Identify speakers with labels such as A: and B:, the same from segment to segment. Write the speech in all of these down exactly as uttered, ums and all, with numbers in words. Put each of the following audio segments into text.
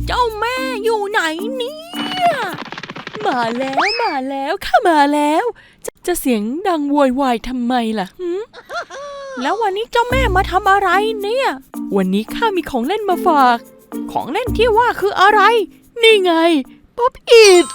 A: เจ้าแม่อยู่ไหนเนี่ยมาแล้วมาแล้วข้ามาแล้วจะจะเสียงดังโวยวายทำไมล่ะหืมแล้ววันนี้เจ้าแม่มาทำอะไรเนี่ยวันนี้ข้ามีของเล่นมาฝากของเล่นที่ว่าคืออะไรนี่ไงป๊อปอิท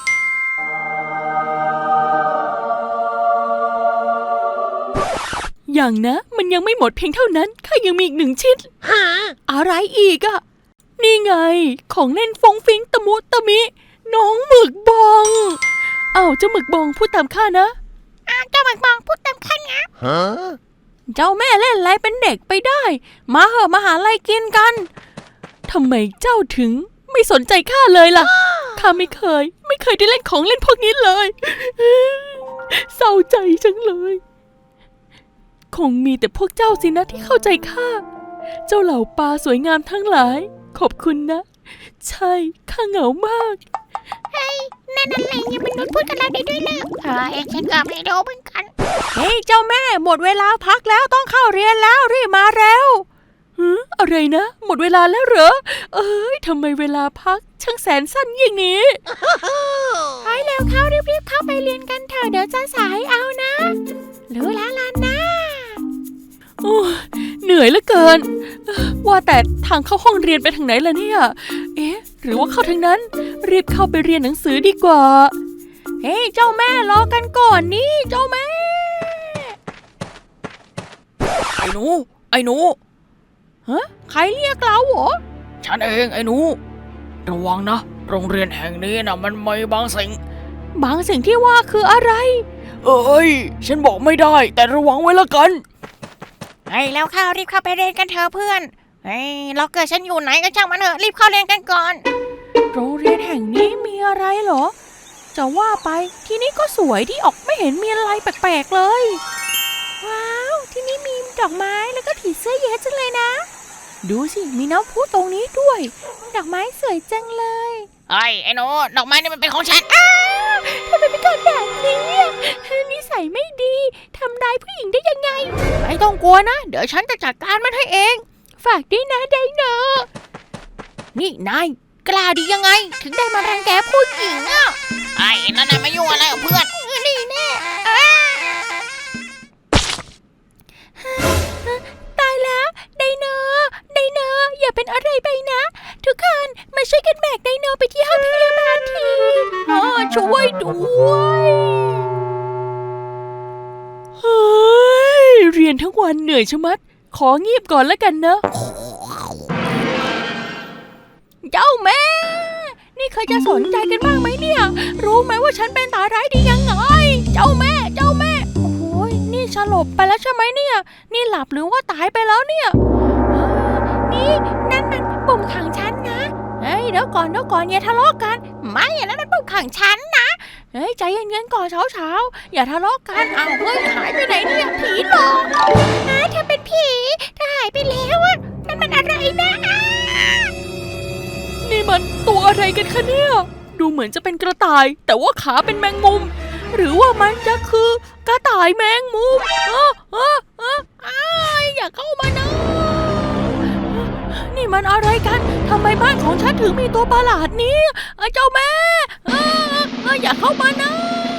A: อย่างนะมันยังไม่หมดเพียงเท่านั้นข้ายังมีอีกหนึ่งชิ้นอะไรอีกอะนี่ไงของเล่นฟงฟิงตะมุตะมิน้องหมึกบองอ้าวเจ้าหมึกบองพูดตามข้านะอ้าวเจ้าหมึกบองพูดตามข้านะเจ้าแม่เล่นอะไรเป็นเด็กไปได้มาเหอะมาหาอะไรกินกันทำไมเจ้าถึงไม่สนใจข้าเลยล่ะข้าไม่เคยไม่เคยได้เล่นของเล่นพวกนี้เลยเศร้าใจจังเลยคงมีแต่พวกเจ้าสินะที่เข้าใจข้าเจ้าเหล่าปลาสวยงามทั้งหลายขอบคุณนะใช่ข้าเหงามาก
B: เฮ้ยนั่นอะไรเนี่ยมนุษย์พูดกับเราได้ด้วยเลยเออเองฉันก็ไม่รู้เหมือนกัน
A: เฮ้ยเจ้าแม่หมดเวลาพักแล้วต้องเข้าเรียนแล้วรีบมาเร็วหืออะไรนะหมดเวลาแล้วเหรอเอ้ยทำไมเวลาพักช่างแสนสั้นอย่างนี้
B: ไปเร็วเข้ารีบๆเข้าไปเรียนกันเถอะเดี๋ยวจะสายเอานะรู้แล้วล่ะนะ
A: โอ้เหนื่อยเหลือเกินว่าแต่ทางเข้าห้องเรียนไปทางไหนล่ะเนี่ยเอ๊ะหรือว่าเข้าทางนั้นรีบเข้าไปเรียนหนังสือดีกว่าเฮ้ยเจ้าแม่รอกันก่อนนี่เจ้าแม่ไอ้หนูไอ้หนูฮะใครเรียกเราเหรอฉันเองไอ้หนูระวังนะโรงเรียนแห่งนี้นะมันมีบางสิ่งบางสิ่งที่ว่าคืออะไรเอ้ยฉันบอกไม่ได้แต่ระวังไว้ละกัน
B: เฮ้ยแล้วเข้ารีบเข้าไปเรียนกันเถอะเพื่อนเฮ้ยเราเกิดฉันอยู่ไหนก็ช่างมันเถอะรีบเข้าเรียนกันก่อน
A: โรงเรียนแห่งนี้มีอะไรเหรอจะว่าไปที่นี่ก็สวยที่ออกไม่เห็นมีอะไรแปลกๆเลย
B: ว้าวที่นี่มีดอกไม้แล้วก็ผีเสื้อเยอะจังเลยนะ
A: ดูสิมีน้ำพุตรงนี้ด้วย
B: ดอกไม้สวยจังเลย
A: ไอ้ไอ้หนูดอกไม้นี่มันเป็นของฉัน
B: อ้าวทำไมเป็นคนแบบนี้นิสัยไม่ดีทำร้ายผู้หญิงได้ยังไง
A: ไม่ต้องกลัวนะเดี๋ยวฉันจะจัดการมันให้เอง
B: ฝากด้วยนะไดโน
A: นี่นายกล้าดียังไงถึงได้มารังแกผู้หญิงอ่ะ
B: ไอ้นั่นน่ะมายุ่งอะไรกับเพื่อนนี่แน่ตายแล้วไดโนไดโนอย่าเป็นอะไรไปนะทุกคนมาช่วยกันแบกไดโนไปที่ห้องพยาบาลที
A: อ๋อช่วยด้วยเฮ้ยเรียนทั้งวันเหนื่อยชะมัดขอเงียบก่อนแล้วกันนะเจ้าแม่นี่เคยจะสนใจกันบ้างไหมเนี่ยรู้ไหมว่าฉันเป็นตาร้ายดียังไงเจ้าแม่เจ้าแม่โอ้โหนี่สลบไปแล้วใช่ไหมเนี่ยนี่หลับหรือว่าตายไปแล้วเนี่ย
B: นี่นั่นมันปุ่มขังฉันนะเฮ้ยเดี๋ยวก่อนเดี๋ยวก่อนอย่าทะเลาะกันไม่อย่างนั้นมันปุ่มขังฉันนะ
A: เฮ้ยใจเย็นๆก่อนเช้าๆอย่าทะเลาะกันเอาเฮ้ยหายไปไหนเนี่ยผีหลอก
B: นะเธอเป็นผีเธอหายไปแล้วอะนั่นมันอะไรนะ
A: นี่มันตัวอะไรกันคะเนี่ยดูเหมือนจะเป็นกระต่ายแต่ว่าขาเป็นแมงมุมหรือว่ามันจะคือกระต่ายแมงมุมอ้าอ้าอ้าอ้าอย่าเข้ามานะนี่มันอะไรกันทำไมบ้านของฉันถึงมีตัวประหลาดนี้เจ้าแม่อย่าเข้ามานะ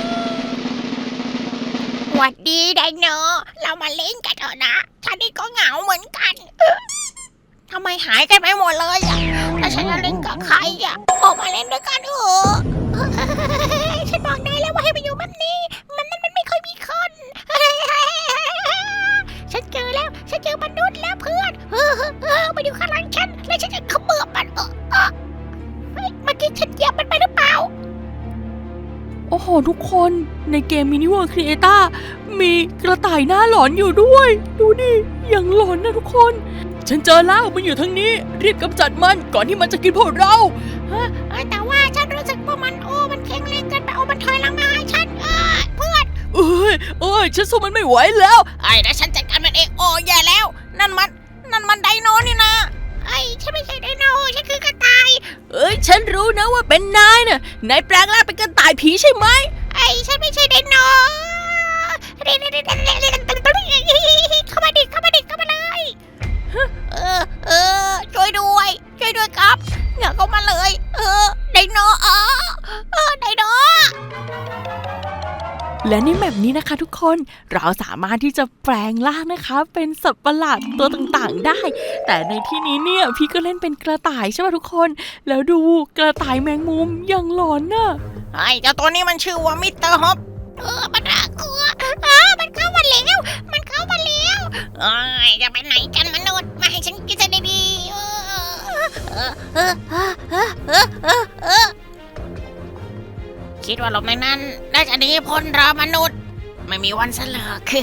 B: หวัดดีไดโนเรามาเล่นกันเถอะนะฉันนี่ก็เหงาเหมือนกันทำไมหายกันไปหมดเลยอ่ะแล้วฉันจะเล่นกับใครอ่ะออกมาเล่นด้วยกันเถอะฉันบอกได้แล้วว่าให้ไปอยู่แบบนี้มันนั่นมันไม่ค่อยมีคนฉันเจอแล้วฉันเจอมนุษย์แล้วเพื่อนเออเออมาอยู่ข้างหลังฉันแล้วฉันจะขมือบมันเออเออเฮ้ยเมื่อกี้ฉันเหยียบมันไปหรือเปล่า
A: โอ้โหทุกคนในเกมมินิเวิร์คครีเอต้ามีกระต่ายหน้าหลอนอยู่ด้วยดูดิอย่างหลอนนะทุกคนฉันเจอแล้วมันอยู่ทางนี้รีบกำจัดมันก่อนที่มันจะกินพวกเรา
B: แต่ว่าฉันรู้สึกว่ามันโอ้มันแข็งแรงเกินไปเอามันถอยหลังมาให้ฉันเออเพื่อน
A: เอ้ยเอ้ยฉันสู้มันไม่ไหวแล้ว
B: ไอ้แล้วฉันจัดการมันเองโอ้แย่แล้วนั่นมันนั่นมันไดโนนี่นะไอ้ฉันไม่ใช่ไดโนฉันคือกระต่าย
A: เอ้ยฉันรู้นะว่าเป็นนายน่ะนายแปลงร่างเป็นกระต่ายผีใช่ไหม
B: ไอ้ฉันไม่ใช่ไดโนเข้ามาดิเข้ามาดิเข้ามาเลยเออเออช่วยด้วยช่วยด้วยครับอย่าเข้ามาเลย
A: และในแมปนี้นะคะทุกคนเราสามารถที่จะแปลงร่างนะคะเป็นสัตว์ประหลาดตัวต่างๆได้แต่ในที่นี้เนี่ยพี่ก็เล่นเป็นกระต่ายใช่ไหมทุกคนแล้วดูกระต่ายแมงมุมยังหลอนน่ะ
B: ไอ้เจ้าตัวนี้มันชื่อว่ามิสเตอร์ฮอปเออมันน่ากลัวอ้ามันเข้ามาแล้วมันเข้ามาแล้วเอ้ยจะไปไหนกันมนุษย์มาให้ฉันกินซะดีๆเออเออเออเออเออเออเออคิดว่าหลบในนั้นน่าจะหนีพ้นเรามนุษย์ไม่มีวันเสลอคือ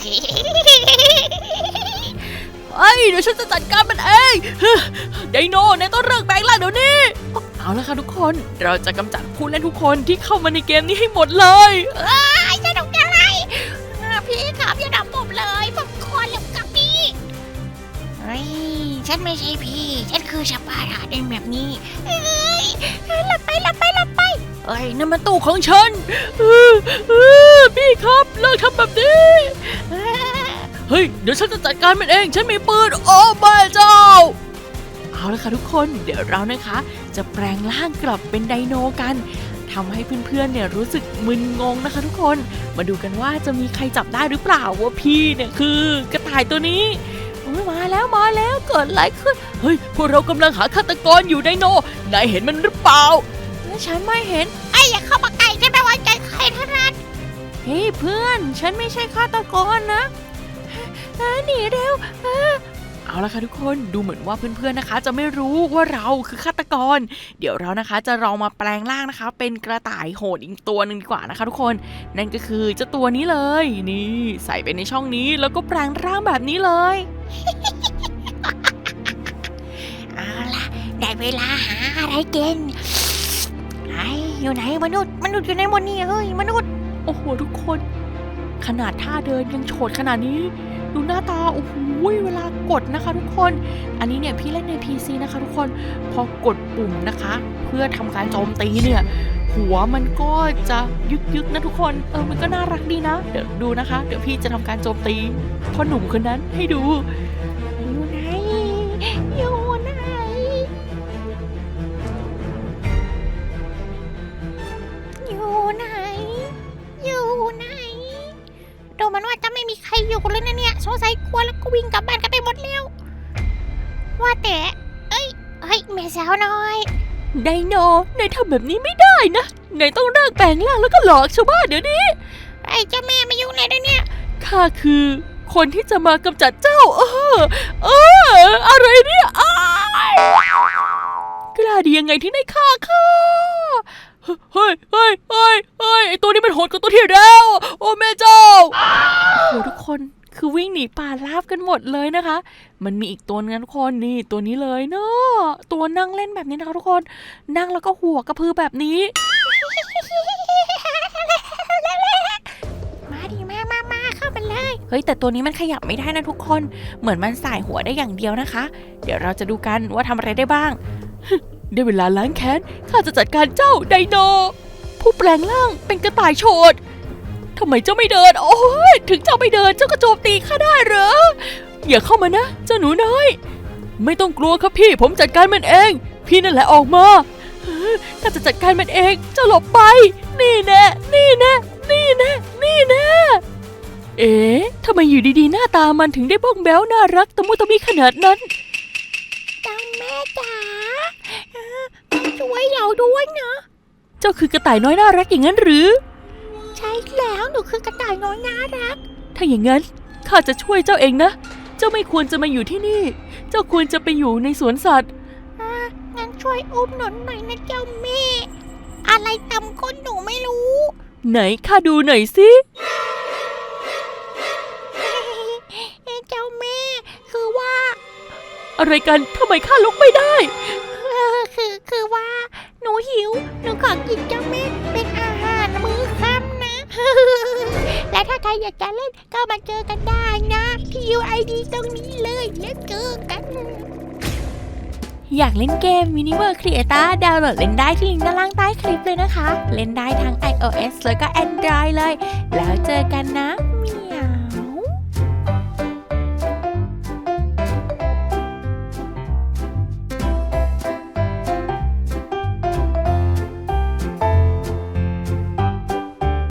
A: เอ้ยเดี๋ยวฉันจะจัดการมันเองไดโนในต้องเลิกแปลงร่างเดี๋ยวนี้เอาละค่ะทุกคนเราจะกำจัดผู้เล่นทุกคนที่เข้ามาในเกมนี้ให้หมดเลย
B: ไอ้จะทำอะไรพี่ครับอย่าทำผมเลยผมขอเลิกกับพี่เฮ้ยฉันไม่ใช่พี่ฉันคือชาปาราในแบบนี้เฮ้ยหลับไปหลับไปหลับไป
A: เอ้ยนั่นมันตู้ของฉันเออเออพี่ครับเลิกทำแบบนี้เฮ้ยเดี๋ยวฉันจะจัดการมันเองฉันมีปืนโอ้แม่เจ้าเอาละค่ะทุกคนเดี๋ยวเรานะคะจะแปลงร่างกลับเป็นไดโนกันทำให้เพื่อนๆเนี่ยรู้สึกมึนงงนะคะทุกคนมาดูกันว่าจะมีใครจับได้หรือเปล่าว่าพี่เนี่ยคือกระต่ายตัวนี้โอ้ยมาแล้วมาแล้วเกิดอะไรขึ้นเฮ้ยพวกเรากำลังหาฆาตกรอยู่ไดโนนายเห็นมันหรือเปล่าฉันไม่เห็น
B: ไอ้อย่าเข้ามาใกล้ฉันไม่ไว้ใจใครทั้งนั้น
A: เฮ้ยเพื่อนฉันไม่ใช่ฆาตกรนะหนีเร็วเอาละค่ะทุกคนดูเหมือนว่าเพื่อนๆนะคะจะไม่รู้ว่าเราคือฆาตกรเดี๋ยวเรานะคะจะลองมาแปลงร่างนะคะเป็นกระต่ายโหดอีกตัวหนึ่งดีกว่านะคะทุกคนนั่นก็คือเจ้าตัวนี้เลยนี่ใส่ไปในช่องนี้แล้วก็แปลงร่างแบบนี้เลย
B: เอาล่ะได้เวลาหาอะไรกินไอ้อยู่ไหนมนุษย์มนุษย์อยู่ในหมดนี่เอ้ยมนุษย์
A: โอ้โหทุกคนขนาดท่าเดินยังโฉดขนาดนี้ดูหน้าตาโอ้โหเวลากดนะคะทุกคนอันนี้เนี่ยพี่เล่นใน พี ซี นะคะทุกคนพอกดปุ่มนะคะเพื่อทำการโจมตีเนี่ยหัวมันก็จะยึกยึกนะทุกคนเออมันก็น่ารักดีนะเดี๋ยวดูนะคะเดี๋ยวพี่จะทำการโจมตีพ่อหนุ่มคนนั้นให้ดู
B: อยู่ไหนอยู่ไหนอยู่ไหนอยู่ไหนดูมันว่าจะไม่มีใครอยู่เลยนะเนี่ยสงสัยกลัวแล้วก็วิ่งกลับบ้านกันไปหมดแล้วว่าแต่เอ้ยเฮ้ยแม่สาวน้อย
A: ไดโนนายทำแบบนี้ไม่ได้นะนายต้องเลิกแปลงร่างแล้วก็หลอกชาวบ้านเดี๋ยวนี้
B: ไอ้เจ้าแม่มายุ่งเลยนะเนี่ย
A: ข้าคือคนที่จะมากำจัดเจ้าเออเอออะไรเนี่ยกล้าดียังไงที่นายฆ่าข้าเฮ้ยเฮ้ยเฮ้ยเฮ้ยไอตัวนี้มันโหดกว่าตัวที่แล้วโอ้แม่เจ้าโอ้ทุกคนคือวิ่งหนีป่าราบกันหมดเลยนะคะมันมีอีกตัวนึงทุกคนนี่ตัวนี้เลยเนาะตัวนั่งเล่นแบบนี้นะคะทุกคนนั่งแล้วก็หัวกระพือแบบนี้
B: มาดิมามามาเข้าไปเลย
A: เฮ้ยแต่ตัวนี้มันขยับไม่ได้นะทุกคนเหมือนมันสายหัวได้อย่างเดียวนะคะเดี๋ยวเราจะดูกันว่าทำอะไรได้บ้างได้เวลาล้างแค้นข้าจะจัดการเจ้าไดโนผู้แปลงร่างเป็นกระต่ายโฉดทำไมเจ้าไม่เดินโอ้ยถึงเจ้าไม่เดินเจ้าก็โจมตีข้าได้เหรออย่าเข้ามานะเจ้าหนูน้อยไม่ต้องกลัวครับพี่ผมจัดการมันเองพี่นั่นแหละออกมาข้าจะจัดการมันเองเจ้าหลบไปนี่แน่นี่แน่นี่แน่นี่แน่เอ๊ะทำไมอยู่ดีๆหน้าตามันถึงได้บ้องแบ้วน่ารักตะมุตะมิขนาดนั้น
B: เจ้าแม่จ๋าช่วยเราด้วยนะ
A: เจ้าคือกระต่ายน้อยน่ารักอย่างนั้นหรือ
B: ใช่แล้วหนูคือกระต่ายน้อยน่ารัก
A: ถ้าอย่างนั้นข้าจะช่วยเจ้าเองนะเจ้าไม่ควรจะมาอยู่ที่นี่เจ้าควรจะไปอยู่ในสวนสัตว์
B: งั้นช่วยอุ้มหนูหน่อยนะเจ้าแม่อะไรตำก้นหนูไม่รู้
A: ไหนข้าดูหน่อยสิ
B: เจ้าแม่คือว่า
A: อะไรกันทำไมข้าลุกไม่ได้
B: คือคือว่าหนูหิวหนูขอกินเจ้าแม่เป็นอาหารมื้อค่ำนะและถ้าใครอยากจะเล่นก็มาเจอกันได้นะที่ ยู ไอ ดี ตรงนี้เลยแล้วเจอกัน
A: อยากเล่นเกม Miniverse Creator ดาวน์โหลดเล่นได้ที่ลิงก์ด้านล่างใต้คลิปเลยนะคะเล่นได้ทั้ง ไอ โอ เอส แล้วก็ Android เลยแล้วเจอกันนะ